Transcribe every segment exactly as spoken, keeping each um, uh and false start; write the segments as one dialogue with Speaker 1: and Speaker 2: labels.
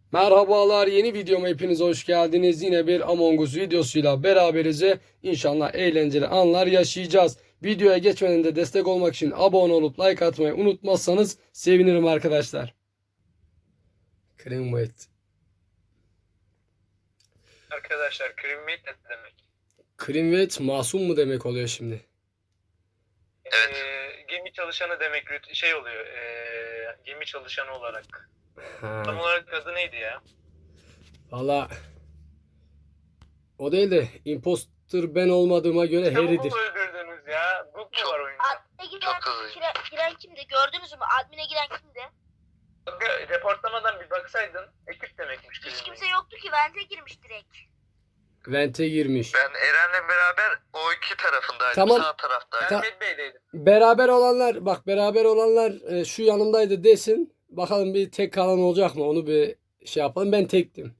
Speaker 1: Merhabalar, yeni videoma hepiniz hoş geldiniz. Yine bir Among Us videosuyla beraberiz ve inşallah eğlenceli anlar yaşayacağız. Videoya geçmeden de destek olmak için abone olup like atmayı unutmazsanız sevinirim arkadaşlar. Creamweight.
Speaker 2: Arkadaşlar crewmate ne demek?
Speaker 1: Creamweight masum mu demek oluyor şimdi?
Speaker 2: Evet. Ee, gemi çalışanı demek rüt- şey oluyor. ee, gemi çalışanı olarak.
Speaker 1: Ha.
Speaker 2: Tam olarak adı neydi ya?
Speaker 1: Valla o değil de imposter ben olmadığıma göre
Speaker 2: İşte
Speaker 1: Harry'dir.
Speaker 2: bu öldürdünüz ya. Bug mu var oyunda?
Speaker 3: Admin'e giren, giren, giren kimdi? Gördünüz mü? Admin'e giren kimdi?
Speaker 2: Bak, reportlamadan bir baksaydın ekip demekmiş.
Speaker 3: Hiç
Speaker 2: crewmate.
Speaker 3: kimse yoktu ki. Vente girmiş direkt.
Speaker 1: Vente girmiş.
Speaker 4: Ben Eren'le beraber o iki tarafındaydım.
Speaker 1: Tamam.
Speaker 4: Sağ taraftaydım.
Speaker 2: Ben
Speaker 1: Ta-
Speaker 2: Medbay'deydim.
Speaker 1: Beraber olanlar bak beraber olanlar e, şu yanımdaydı desin. Bakalım bir tek kalan olacak mı? Onu bir şey yapalım. Ben tektim.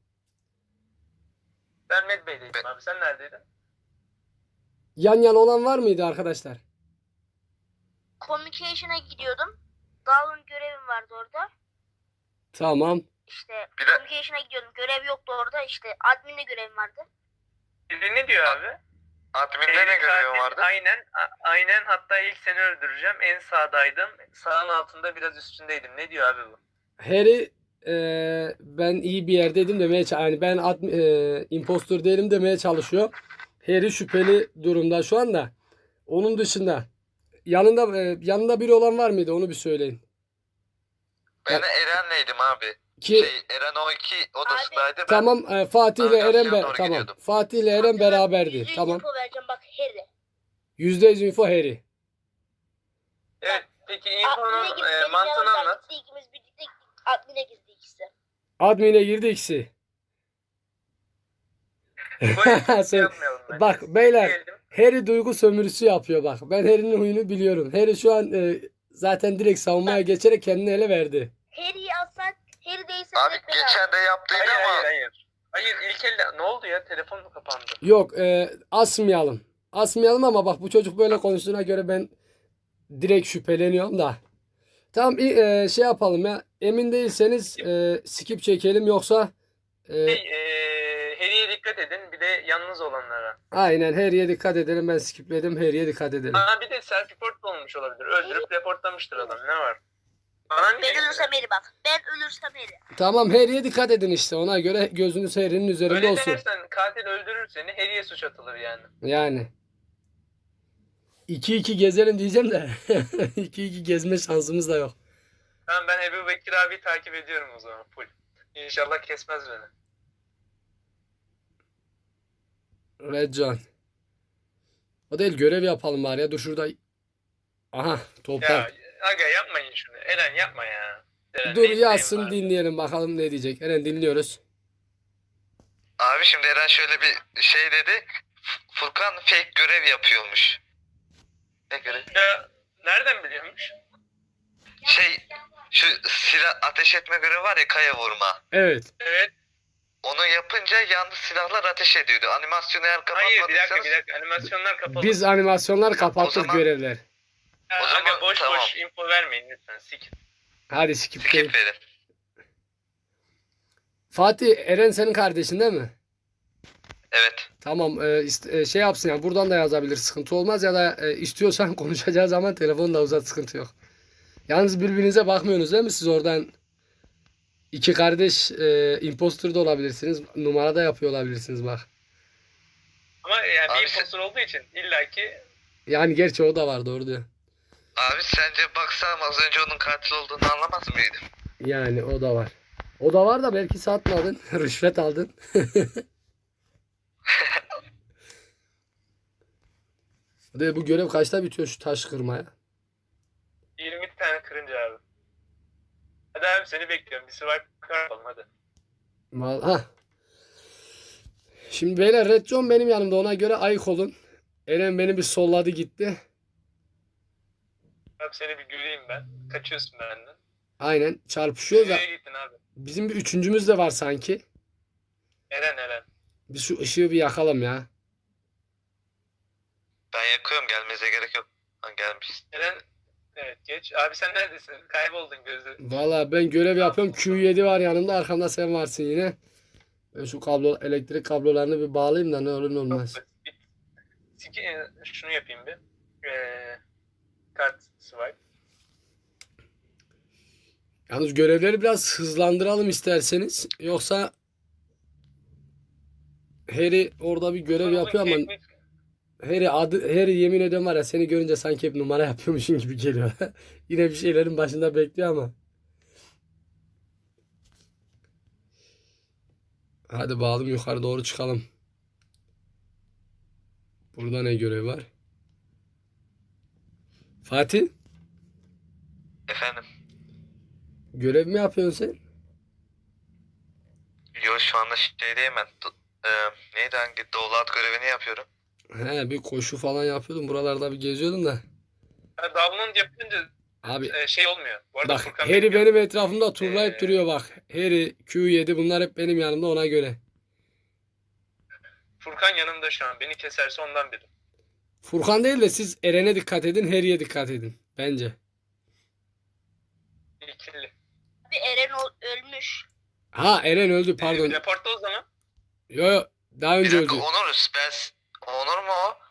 Speaker 2: Ben Medbay'deydim abi. Sen neredeydin?
Speaker 1: Yan yana olan var mıydı arkadaşlar?
Speaker 3: Communication'a gidiyordum. Dağın görevim vardı orada.
Speaker 1: Tamam.
Speaker 3: İşte
Speaker 4: Bir de-
Speaker 3: Communication'a gidiyordum. Görev yoktu orada. İşte admin'le görevim vardı.
Speaker 2: Biri ne diyor abi?
Speaker 4: Admin'de ne
Speaker 2: Harry
Speaker 4: görevim
Speaker 2: katil,
Speaker 4: vardı?
Speaker 2: Aynen. a- aynen. Hatta ilk seni öldüreceğim. En sağdaydım. Sağın altında biraz üstündeydim. Ne diyor abi bu?
Speaker 1: Harry e, ben iyi bir yerdeydim demeye ç- yani ben ad, e, impostor değilim demeye çalışıyor. Harry şüpheli durumda şu anda. Onun dışında yanında e, yanında biri olan var mıydı? Onu bir söyleyin.
Speaker 4: Ben Eren'leydim abi.
Speaker 1: Ki
Speaker 4: Şey, Eren o iki odasındaydı. Ben
Speaker 1: tamam e, Fatih ile Eren
Speaker 4: Navigasyona
Speaker 1: be-
Speaker 4: doğru
Speaker 1: tamam.
Speaker 4: gidiyordum.
Speaker 1: Fatih ile Eren
Speaker 3: Yüzde
Speaker 1: beraberdi.
Speaker 3: yüz
Speaker 1: Tamam.
Speaker 3: info vereceğim bak Harry.
Speaker 1: yüzde yüz info Harry.
Speaker 2: Evet. Peki
Speaker 3: Admin'e
Speaker 2: infonun
Speaker 3: girdi.
Speaker 2: e,
Speaker 3: Benim
Speaker 2: mantığını
Speaker 3: yanımdan
Speaker 2: anlat.
Speaker 3: gitti. İkimiz birlikte gittik. Admin'e girdi ikisi.
Speaker 1: Admin'e girdi ikisi.
Speaker 2: Böyle
Speaker 1: Sen-
Speaker 2: yapmayalım bence.
Speaker 1: Bak beyler,
Speaker 2: Diyelim.
Speaker 1: Harry duygu sömürüsü yapıyor bak. Ben Harry'nin huyunu biliyorum. Harry şu an e, zaten direkt savunmaya geçerek kendini ele verdi.
Speaker 3: Harry'i alsak, Harry değilse
Speaker 4: abi
Speaker 3: direkt beni al.
Speaker 4: geçen de yaptıydı
Speaker 2: Hayır
Speaker 4: ama
Speaker 2: hayır hayır. Hayır ilk elde ne oldu ya? Telefon mu kapandı?
Speaker 1: Yok e, asmayalım. Asmayalım ama bak bu çocuk böyle konuştuğuna göre ben direkt şüpheleniyorum da. Tamam i- e, şey yapalım ya. Emin değilseniz e, skip çekelim yoksa e,
Speaker 2: Şey, e, Harry'e dikkat edin. Bir de yalnız olanlara.
Speaker 1: aynen Harry'e dikkat edelim. Ben skipledim. Harry'e dikkat edelim.
Speaker 2: Aa, bir de self report da olmuş olabilir. Öldürüp reportlamıştır adam. Ne var? Bana niye?
Speaker 3: Ben ölürsem Harry bak. Ben ölürsem Harry.
Speaker 1: Tamam Harry'e dikkat edin işte. Ona göre gözünüz Harry'nin üzerinde
Speaker 2: Öyle
Speaker 1: olsun.
Speaker 2: dersen katil öldürür seni. Harry'e suç atılır yani.
Speaker 1: Yani. iki iki gezelim diyeceğim de iki iki gezme şansımız da yok.
Speaker 2: Tamam ben Ebu Bekir abi takip ediyorum o zaman. Full. İnşallah kesmez beni.
Speaker 1: Red John. O değil görev yapalım bari ya. Dur şurada. Aha toprak.
Speaker 2: Ya aga yapmayın şunu. Eren yapma ya. Eren,
Speaker 1: Dur
Speaker 2: ne isteğin
Speaker 1: yazsın
Speaker 2: var?
Speaker 1: dinleyelim bakalım ne diyecek. Eren dinliyoruz.
Speaker 4: abi şimdi Eren şöyle bir şey dedi. F- Furkan fake görev yapıyormuş. Ne görev?
Speaker 2: Ya nereden biliyormuş?
Speaker 4: Şey, şu silah ateş etme görevi var ya, kaya vurma.
Speaker 1: Evet.
Speaker 2: Evet.
Speaker 4: Onu yapınca yalnız silahlar ateş ediyordu. Animasyonu eğer
Speaker 2: Hayır bir dakika
Speaker 4: kapatmadıysanız
Speaker 2: bir dakika. Animasyonlar kapalı.
Speaker 1: Biz animasyonlar kapattık
Speaker 4: O zaman-
Speaker 1: görevler.
Speaker 2: Ya,
Speaker 4: o zaman
Speaker 2: aga boş
Speaker 4: tamam.
Speaker 2: boş info vermeyin lütfen. Sik.
Speaker 1: Hadi skip değil.
Speaker 4: skip verin.
Speaker 1: Fatih Eren senin kardeşin değil mi?
Speaker 4: Evet.
Speaker 1: Tamam e, ist- e, şey yapsın ya buradan da yazabilir sıkıntı olmaz ya da e, istiyorsan konuşacağı zaman telefonu da uzat sıkıntı yok. Yalnız birbirinize bakmıyorsunuz değil mi siz oradan iki kardeş e, imposter da olabilirsiniz numara da yapıyor olabilirsiniz bak.
Speaker 2: Ama yani
Speaker 4: Abi
Speaker 2: bir
Speaker 4: sen-
Speaker 2: impostor olduğu için illaki
Speaker 1: Yani gerçi o da var doğru diyor.
Speaker 4: Abi sence baksam az önce onun katil olduğunu anlamaz mıydım?
Speaker 1: Yani o da var. O da var da belki satmadın rüşvet aldın. De bu görev kaçta bitiyor şu taş kırmaya?
Speaker 2: yirmi tane kırınca abi. Hadi abi seni bekliyorum. Bir survive yapalım hadi.
Speaker 1: Mal ha. Şimdi beyler Red John benim yanımda ona göre ayık olun. Eren beni bir solladı gitti.
Speaker 2: Abi seni bir göreyim ben. Kaçıyorsun benden.
Speaker 1: Aynen çarpışıyoruz da
Speaker 2: Nereye gittin abi?
Speaker 1: bizim bir üçüncümüz de var sanki.
Speaker 2: Eren Eren.
Speaker 1: Biz şu ışığı bir yakalım ya.
Speaker 4: Ben yakıyorum, gelmenize gerek yok. Ha, gelmiş.
Speaker 2: Eren Evet geç. Abi sen neredesin? Kayboldun gözü.
Speaker 1: Valla ben görev yapıyorum. Q yedi var yanımda. Arkamda sen varsın yine. Ben şu kablo elektrik kablolarını bir bağlayayım da ne olur ne
Speaker 2: Çok
Speaker 1: olmaz.
Speaker 2: basit. Bir- Siki, e, şunu yapayım bir. Ee, kart swipe.
Speaker 1: Yalnız görevleri biraz hızlandıralım isterseniz. Yoksa Harry orada bir görev yapıyor ama Harry adı Harry yemin ediyorum var ya seni görünce sanki hep numara yapıyormuşsun gibi geliyor. Yine bir şeylerin başında bekliyor ama. Hadi bağlayalım yukarı doğru çıkalım. Burada ne görev var? Fatih,
Speaker 4: Efendim?
Speaker 1: görev mi yapıyorsun sen?
Speaker 4: Yo şu anda şeydeyim ben. Do- e, neydi hangi? Download görevini yapıyorum.
Speaker 1: He bir koşu falan yapıyordum. Buralarda bir geziyordum da.
Speaker 2: Ha, download yapınca
Speaker 1: Abi
Speaker 2: e, şey olmuyor. Bu arada
Speaker 1: bak
Speaker 2: Furkan
Speaker 1: Harry
Speaker 2: benim
Speaker 1: benim etrafımda turlayıp
Speaker 2: Ee,
Speaker 1: duruyor bak. Harry, Q yedi bunlar hep benim yanımda ona göre.
Speaker 2: Furkan yanımda şu an. Beni keserse ondan biri.
Speaker 1: Furkan değil de siz Eren'e dikkat edin, Harry'e dikkat edin. Bence.
Speaker 2: İkili.
Speaker 3: Abi Eren ol- ölmüş.
Speaker 1: Ha Eren öldü pardon.
Speaker 2: Ee, Reportta o zaman.
Speaker 1: Yo yo daha
Speaker 4: Bir
Speaker 1: önce
Speaker 4: dakika
Speaker 1: öldü.
Speaker 4: Onur. Ben... Onur mu o?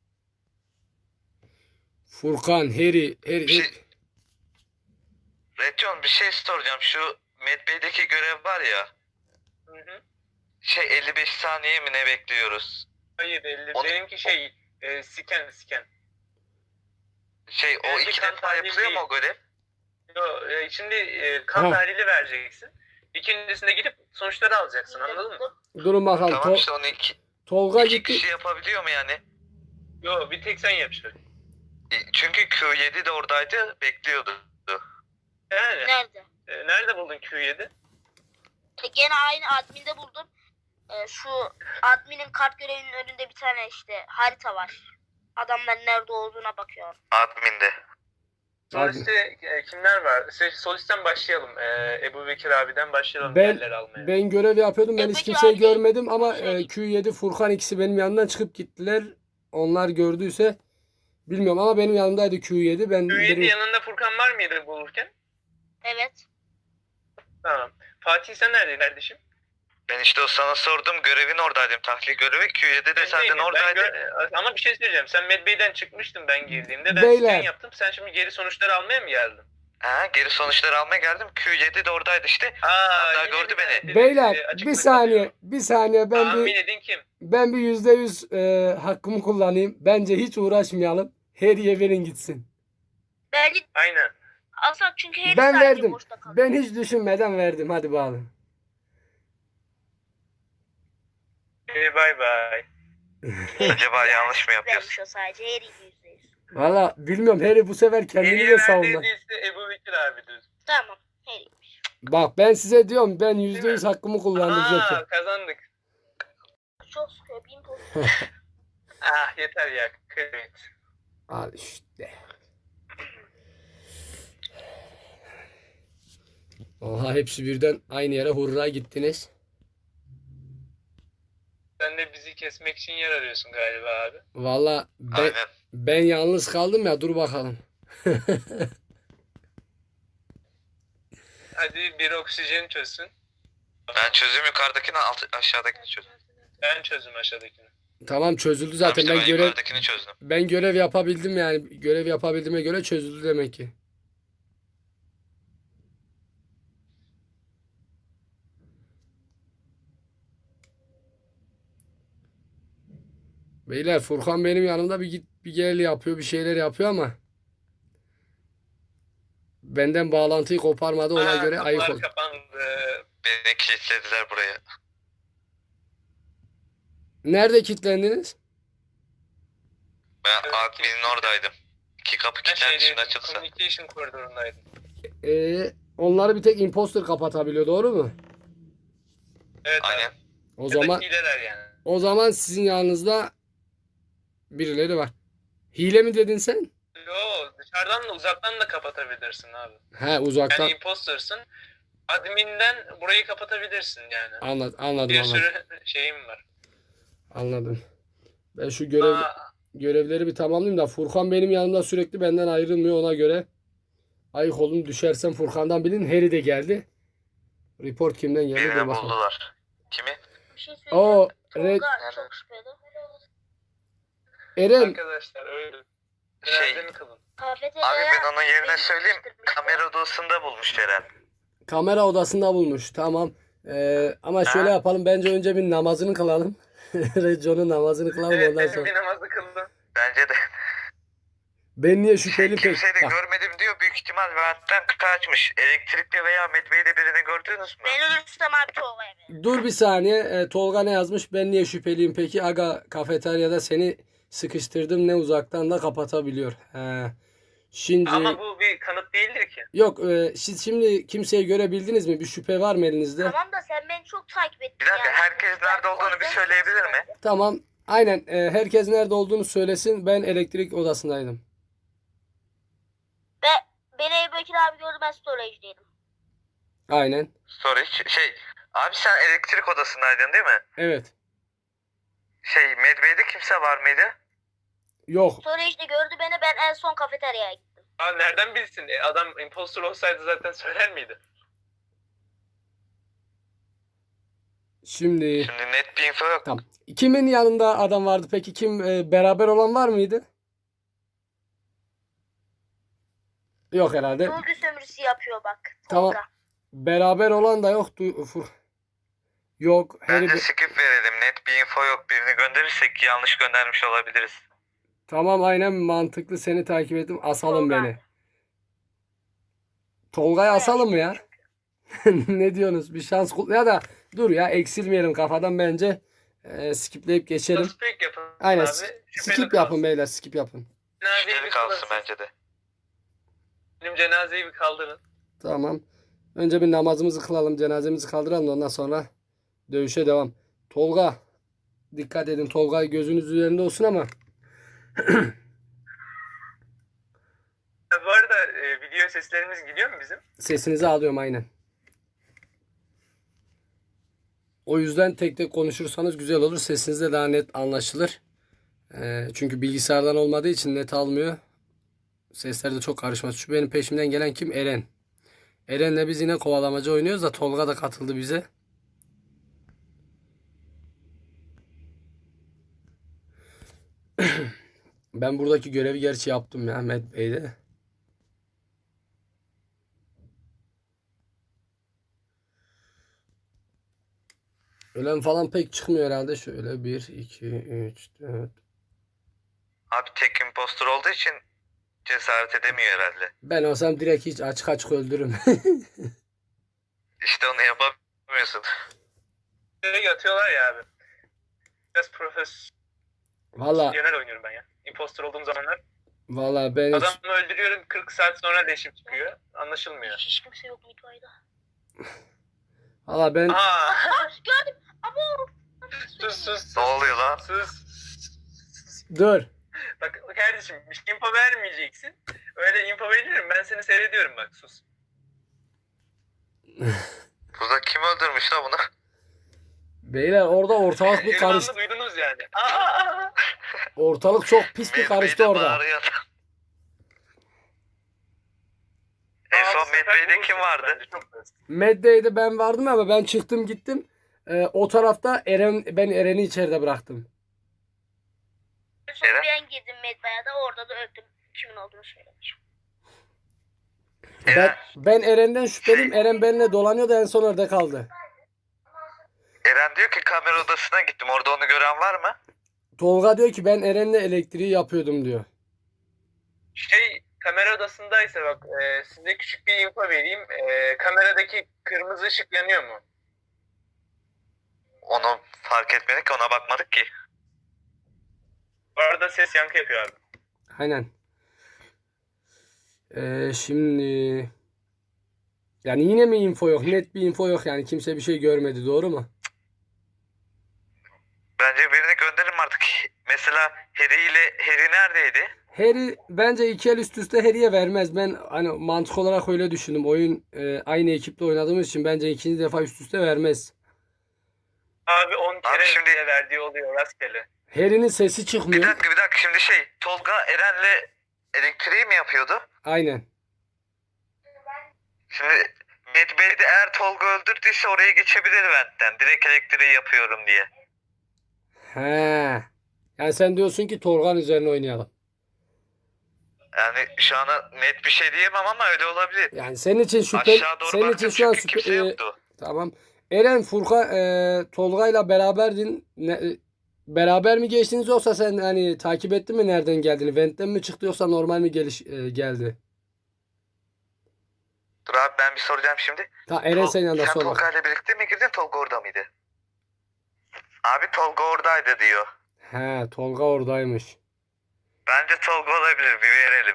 Speaker 1: Furkan, Harry, Harry.
Speaker 4: Bir şey... Redyon bir şey soracağım. Şu Medbay'deki görev var ya.
Speaker 2: Hı hı.
Speaker 4: Şey elli beş saniye mi ne bekliyoruz?
Speaker 2: Hayır elli.
Speaker 4: Onu-
Speaker 2: Benimki şey e, scan scan.
Speaker 4: Şey o
Speaker 2: Benimki
Speaker 4: iki
Speaker 2: kan
Speaker 4: defa
Speaker 2: tahlili
Speaker 4: yapılıyor mu
Speaker 2: değil.
Speaker 4: o görev?
Speaker 2: Yo, e, şimdi e, kan
Speaker 1: Ha.
Speaker 2: tahlili vereceksin. İkincisinde gidip sonuçları alacaksın anladın mı?
Speaker 1: Durun bakalım.
Speaker 4: Tamam
Speaker 1: To-
Speaker 4: işte onu iki,
Speaker 1: Tolga
Speaker 4: iki
Speaker 1: gitti.
Speaker 4: kişi yapabiliyor mu yani?
Speaker 2: Yo bir tek sen yapacaksın.
Speaker 4: E, Çünkü Q yedi de oradaydı bekliyordu.
Speaker 2: Yani
Speaker 3: Nerede?
Speaker 2: e, nerede buldun Q yedi?
Speaker 3: E, gene aynı adminde buldum. E, şu adminin kart görevinin önünde bir tane işte harita var. Adamların nerede olduğuna bakıyor.
Speaker 4: Admin'de.
Speaker 2: Soliste e, kimler var? Şey, Solisten başlayalım. E, Ebu Bekir abiden başlayalım
Speaker 1: Ben
Speaker 2: yerleri almaya.
Speaker 1: ben görev yapıyordum. Ben
Speaker 3: E,
Speaker 1: hiç
Speaker 3: peki
Speaker 1: kimseyi
Speaker 3: abi,
Speaker 1: görmedim ama
Speaker 3: şey-
Speaker 1: e, Q yedi Furkan ikisi benim yanımdan çıkıp gittiler. Onlar gördüyse bilmiyorum ama benim yanımdaydı Q yedi. Ben
Speaker 2: Q yedi
Speaker 1: benim-
Speaker 2: yanında Furkan var mıydı bulurken?
Speaker 3: Evet.
Speaker 2: Tamam. Fatih sen neredeydin kardeşim?
Speaker 4: Ben işte o sana sordum görevin oradaydım. Tahlil görevi Q yedi de
Speaker 2: Ben
Speaker 4: zaten
Speaker 2: değilim. Ben
Speaker 4: oradaydı.
Speaker 2: gö- ama bir şey söyleyeceğim. Sen Medbay'den çıkmıştın ben girdiğimde. Ben
Speaker 1: Beyler.
Speaker 2: scan yaptım. Sen şimdi geri sonuçları almaya mı geldin?
Speaker 4: Ha, geri sonuçları almaya geldim. Q yedi de oradaydı işte.
Speaker 2: Aa,
Speaker 4: Hatta
Speaker 2: yine
Speaker 4: gördü
Speaker 2: bir tane
Speaker 4: beni.
Speaker 2: dedi, e,
Speaker 1: Beyler
Speaker 2: açıkta
Speaker 1: bir saniye
Speaker 2: kalıyor.
Speaker 1: bir saniye ben
Speaker 2: Tahmin
Speaker 1: bir
Speaker 2: edin kim?
Speaker 1: ben bir yüzde yüz e, hakkımı kullanayım. Bence hiç uğraşmayalım. Harry'e verin gitsin.
Speaker 3: Bence
Speaker 2: Aynen.
Speaker 3: alsak çünkü Harry
Speaker 1: Ben
Speaker 3: sadece
Speaker 1: verdim.
Speaker 3: boşta kalıyor.
Speaker 1: Ben hiç düşünmeden verdim. Hadi bağlı.
Speaker 2: Ee, bay bay.
Speaker 4: Acaba yanlış mı yapıyorsun?
Speaker 3: Vermiş o sadece Harry yüzde yüz.
Speaker 1: Valla bilmiyorum Harry bu sefer kendini
Speaker 2: Harry'e
Speaker 1: de savundu.
Speaker 2: verdiğinizde Ebu Bekir abidir.
Speaker 3: Tamam. Harry'miş.
Speaker 1: Bak ben size diyorum ben yüzde yüz hakkımı kullandım zaten.
Speaker 2: Aa kazandık.
Speaker 3: Çok sıkıyor. Bin poz.
Speaker 2: Ah yeter ya. Evet.
Speaker 1: Al işte. Oha hepsi birden aynı yere hurra gittiniz.
Speaker 2: Sen de bizi kesmek için yer arıyorsun galiba abi.
Speaker 1: Valla ben,
Speaker 4: Aynen.
Speaker 1: ben yalnız kaldım ya dur bakalım.
Speaker 2: Hadi bir oksijen çözsün.
Speaker 4: Ben çözüm yukarıdakini alt, aşağıdakini çözdüm.
Speaker 2: Ben çözüm aşağıdakini.
Speaker 1: Tamam çözüldü
Speaker 4: Tamam
Speaker 1: zaten
Speaker 4: işte
Speaker 1: ben
Speaker 4: ben
Speaker 1: görev
Speaker 4: yukarıdakini çözdüm.
Speaker 1: ben görev yapabildim yani görev yapabildiğime göre çözüldü demek ki. Beyler Furkan benim yanımda bir git bir gel yapıyor bir şeyler yapıyor ama benden bağlantıyı koparmadı ona
Speaker 2: Aa,
Speaker 1: göre ayık
Speaker 2: kapılar
Speaker 1: ol.
Speaker 2: kapandı.
Speaker 4: Beni kilitlediler buraya.
Speaker 1: Nerede kilitlendiniz?
Speaker 4: Ben
Speaker 2: Evet,
Speaker 4: adminin oradaydım. İki kapı
Speaker 2: Ben
Speaker 4: kilitlendi şimdi
Speaker 2: şeyde
Speaker 4: açılsa.
Speaker 2: communication koridorundaydım.
Speaker 1: Ee, onları bir tek imposter kapatabiliyor doğru mu?
Speaker 2: Evet
Speaker 4: Aynen.
Speaker 2: abi.
Speaker 1: O
Speaker 2: Ya
Speaker 1: zaman
Speaker 2: da hileler yani.
Speaker 1: o zaman sizin yanınızda birileri var. Hile mi dedin sen?
Speaker 2: Yo dışarıdan da uzaktan da kapatabilirsin abi.
Speaker 1: He uzaktan.
Speaker 2: Yani impostersın. Adminden burayı kapatabilirsin yani.
Speaker 1: Anladım, anladım,
Speaker 2: Bir
Speaker 1: anladım.
Speaker 2: sürü şeyim var.
Speaker 1: Anladım. Ben şu görev
Speaker 2: Aa,
Speaker 1: görevleri bir tamamlayayım da Furkan benim yanımda sürekli benden ayrılmıyor ona göre. Ayık olun, düşersem Furkan'dan bilin. Harry de geldi. Report kimden geldi?
Speaker 4: Birini
Speaker 1: Dur bakalım.
Speaker 4: buldular. Kimi?
Speaker 3: Bir şey söyleyeceğim.
Speaker 1: O Red,
Speaker 3: Tolga çok şüpheli.
Speaker 1: Eren
Speaker 2: Arkadaşlar öyle.
Speaker 4: Şey,
Speaker 2: Cenaze mi kılın?
Speaker 3: Kafeteryaya
Speaker 4: abi ben onun yerine
Speaker 3: beni
Speaker 4: söyleyeyim.
Speaker 3: sıkıştırmıştı.
Speaker 4: Kamera odasında bulmuş Eren.
Speaker 1: kamera odasında bulmuş. Tamam. Ee, ama şöyle
Speaker 4: Ha?
Speaker 1: yapalım. Bence önce bir namazını kılalım. Rejo'nun namazını kılalım
Speaker 2: Evet
Speaker 1: ondan
Speaker 2: benim
Speaker 1: sonra.
Speaker 2: bir namazı kıldım.
Speaker 4: Bence de.
Speaker 1: Ben niye
Speaker 4: Şey,
Speaker 1: şüpheli pek?
Speaker 4: kimseyi de
Speaker 1: Bak,
Speaker 4: görmedim diyor. Büyük ihtimal ventten kaçmış. Elektrikli veya Medve'de birini gördünüz mü?
Speaker 3: Ben ölürsem abi Tolga'ya verin.
Speaker 1: dur bir saniye. Ee, Tolga ne yazmış? Ben niye şüpheliyim peki? Aga kafeteryada seni sıkıştırdım. Ne uzaktan da kapatabiliyor. He. Şimdi
Speaker 2: Ama bu bir kanıt değildir ki.
Speaker 1: yok. E, siz şimdi kimseyi görebildiniz mi? Bir şüphe var mı elinizde?
Speaker 3: Tamam da sen beni çok takip ettin
Speaker 4: Bir dakika,
Speaker 3: yani.
Speaker 4: herkes nerede
Speaker 3: Ben-
Speaker 4: olduğunu bir
Speaker 3: ben-
Speaker 4: söyleyebilir mi?
Speaker 1: Tamam. Aynen. E, herkes nerede olduğunu söylesin. Ben elektrik odasındaydım.
Speaker 3: Ve beni Ebu Bekir abi gördü, ben storage'deydim.
Speaker 1: Aynen.
Speaker 4: Sorry. Şey, abi sen elektrik odasındaydın değil mi?
Speaker 1: Evet.
Speaker 4: Şey, Medve'de kimse var mıydı?
Speaker 1: Yok.
Speaker 3: Storage'de gördü beni, ben en son kafeteryaya gittim.
Speaker 2: Aa, nereden bilsin? E, adam impostor olsaydı zaten söyler miydi?
Speaker 1: Şimdi
Speaker 4: Şimdi net bir info yok.
Speaker 1: tamam. Kimin yanında adam vardı peki? Kim e, beraber olan var mıydı? Yok herhalde.
Speaker 3: Dolgu sömürüsü yapıyor bak.
Speaker 1: Tamam.
Speaker 3: Tolga.
Speaker 1: Beraber olan da yok. Du- Fur- Yok. Harry
Speaker 4: Bence
Speaker 1: de-
Speaker 4: skip verelim. Net bir info yok. Birini gönderirsek yanlış göndermiş olabiliriz.
Speaker 1: Tamam aynen mantıklı, seni takip ettim. Asalım
Speaker 3: Tolga.
Speaker 1: beni. Tolga'yı asalım mı ya? Ne diyorsunuz? Bir şans kul- ya da dur ya, eksilmeyelim kafadan bence. E, skipleyip geçelim.
Speaker 2: Suspect yapın
Speaker 1: Aynen.
Speaker 2: abi.
Speaker 1: s-
Speaker 2: Şüpheli
Speaker 1: Skip
Speaker 2: kalsın.
Speaker 1: yapın beyler, skip yapın.
Speaker 2: Cenazeyi
Speaker 4: Şüpheli
Speaker 2: bir
Speaker 4: kalsın
Speaker 2: kılın.
Speaker 4: bence de.
Speaker 2: Benim cenazeyi bir kaldırın.
Speaker 1: Tamam. Önce bir namazımızı kılalım, cenazemizi kaldıralım da ondan sonra dövüşe devam. Tolga. Dikkat edin, Tolga gözünüz üzerinde olsun ama.
Speaker 2: Ha, bu arada e, video seslerimiz gidiyor mu bizim?
Speaker 1: Sesinizi alıyorum aynen. O yüzden tek tek konuşursanız güzel olur. Sesiniz de daha net anlaşılır. Ee, çünkü bilgisayardan olmadığı için net almıyor. Sesler de çok karışmaz. Şu benim peşimden gelen kim? Eren. Eren'le biz yine kovalamaca oynuyoruz da Tolga da katıldı bize. Ben buradaki görevi gerçi yaptım ya Ahmet Bey'de. Ölen falan pek çıkmıyor herhalde. Şöyle bir, iki, üç, dört.
Speaker 4: Abi tek impostor olduğu için cesaret edemiyor herhalde.
Speaker 1: Ben olsam direkt hiç açık açık öldürürüm.
Speaker 4: İşte onu yapamıyorsun.
Speaker 2: Böyle yatıyorlar ya abi. Biraz profesyonel
Speaker 1: Valla
Speaker 2: oynuyorum ben ya. Impostor olduğum zamanlar.
Speaker 1: valla ben hiç,
Speaker 2: Adamı öldürüyorum, kırk saat sonra leşim çıkıyor. Anlaşılmıyor.
Speaker 3: Hiç kimse yok mutfağıydı.
Speaker 1: valla ben
Speaker 2: Aa!
Speaker 3: Gördüm. Abo.
Speaker 2: sus sus sus.
Speaker 4: Ne oluyor lan?
Speaker 2: Sus.
Speaker 1: dur.
Speaker 2: Bak kardeşim bir şey info vermeyeceksin. Öyle info veririm, ben seni seyrediyorum bak, sus.
Speaker 4: Burada kim öldürmüş lan bunu?
Speaker 1: Beyler orada ortalık bir
Speaker 2: Elmanlı
Speaker 1: karıştı.
Speaker 2: duydunuz yani. Aa!
Speaker 1: Ortalık çok pis bir karıştı
Speaker 4: Medve'de
Speaker 1: orada.
Speaker 4: bağırıyor adam. En
Speaker 2: Aa,
Speaker 4: son
Speaker 2: bu sefer
Speaker 4: Medve'de kim
Speaker 2: bulursunuz
Speaker 4: vardı?
Speaker 2: bence, çok basit.
Speaker 1: Meddeydi, ben vardım ama ben çıktım gittim. Ee, o tarafta Eren, ben Eren'i içeride bıraktım.
Speaker 3: En son
Speaker 4: Eren?
Speaker 3: ben girdim Medbaya'da, da orada da öldüm. Kimin olduğunu söylemiş.
Speaker 1: Ben,
Speaker 4: Eren,
Speaker 1: ben Eren'den şüpheliyim. Eren benimle dolanıyordu, en son orada kaldı.
Speaker 4: Eren diyor ki kamera odasına gittim. Orada onu gören var mı?
Speaker 1: Tolga diyor ki ben Eren'le elektriği yapıyordum diyor.
Speaker 2: Şey, kamera odasındaysa bak, e, size küçük bir info vereyim. E, kameradaki kırmızı ışık yanıyor mu?
Speaker 4: Onu fark etmedik ki, ona bakmadık ki.
Speaker 2: Bu arada ses yankı yapıyor abi.
Speaker 1: Aynen. Ee, şimdi yani yine mi info yok? Net bir info yok yani. Kimse bir şey görmedi. Doğru mu?
Speaker 4: Bence birini gönderin artık. Mesela Harry ile Harry neredeydi?
Speaker 1: Harry bence iki el üst üste Harry'e vermez. Ben hani mantık olarak öyle düşündüm. Oyun e, aynı ekiple oynadığımız için bence ikinci defa üst üste vermez.
Speaker 2: Abi on kere
Speaker 4: şimdi-
Speaker 2: bile verdiği oluyor rastgele.
Speaker 1: Harry'nin sesi
Speaker 4: Bir
Speaker 1: çıkmıyor.
Speaker 4: dakika bir dakika, şimdi şey, Tolga Eren'le elektriği mi yapıyordu?
Speaker 1: Aynen.
Speaker 4: Şimdi Medbay'de eğer Tolga öldürdüyse oraya geçebilir ventten. Direkt elektriği yapıyorum diye.
Speaker 1: He. Yani sen diyorsun ki Tolga'nın üzerine oynayalım.
Speaker 4: Yani şu an net bir şey diyemem ama öyle olabilir.
Speaker 1: Yani senin için şüphe
Speaker 4: Aşağı doğru
Speaker 1: senin için
Speaker 4: baktım
Speaker 1: şu an
Speaker 4: çünkü
Speaker 1: şüphe
Speaker 4: kimse
Speaker 1: e,
Speaker 4: yoktu.
Speaker 1: tamam. Eren Furkan e, Tolga'yla beraberdin. Ne, e, beraber mi geçtiniz yoksa sen hani takip ettin mi nereden geldiğini? Vent'ten mi çıktı yoksa normal mi geliş e, geldi?
Speaker 4: Dur abi ben bir soracağım şimdi.
Speaker 1: Ta Eren
Speaker 4: Tol-
Speaker 1: senin yanında
Speaker 4: Sen
Speaker 1: sor bak.
Speaker 4: Tolga ile birlikte mi girdin? Tolga orada mıydı? Abi Tolga oradaydı diyor.
Speaker 1: He, Tolga oradaymış.
Speaker 4: Bence Tolga olabilir. Bir verelim.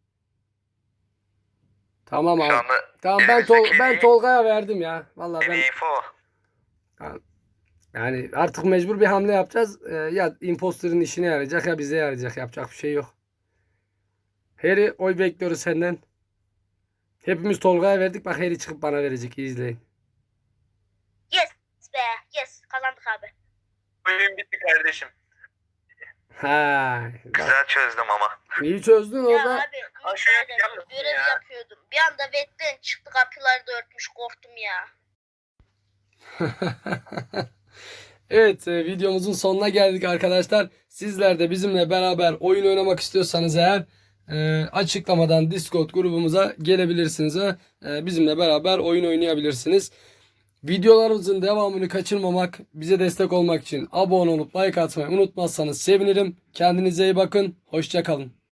Speaker 1: Tamam
Speaker 4: Şu
Speaker 1: abi.
Speaker 4: anda
Speaker 1: Tamam ben
Speaker 4: elimizdeki
Speaker 1: Tol ben
Speaker 4: en iyi-
Speaker 1: Tolga'ya verdim ya. Vallahi
Speaker 4: en
Speaker 1: ben
Speaker 4: iyi info o.
Speaker 1: yani artık mecbur bir hamle yapacağız. Ee, ya imposterın işine yarayacak ya bize yarayacak. Yapacak bir şey yok. Harry oy bekliyoruz senden. Hepimiz Tolga'ya verdik. Bak Harry çıkıp bana verecek. İyi izleyin.
Speaker 3: Yes be. Yes. Kazandık abi.
Speaker 2: Oyun bitti kardeşim.
Speaker 1: Ha, bak,
Speaker 4: Güzel çözdüm ama.
Speaker 1: iyi çözdün
Speaker 3: Ya
Speaker 1: orada.
Speaker 3: abi.
Speaker 2: Aşağı
Speaker 3: müsaade,
Speaker 2: yapıyorsun
Speaker 3: görev
Speaker 2: ya.
Speaker 3: yapıyordum. Bir anda vetten çıktı, kapıları da örtmüş, korktum ya.
Speaker 1: Evet, e, videomuzun sonuna geldik arkadaşlar. Sizler de bizimle beraber oyun oynamak istiyorsanız eğer e, açıklamadan Discord grubumuza gelebilirsiniz ve e, bizimle beraber oyun oynayabilirsiniz. Videolarımızın devamını kaçırmamak, bize destek olmak için abone olup like atmayı unutmazsanız sevinirim. Kendinize iyi bakın. Hoşça kalın.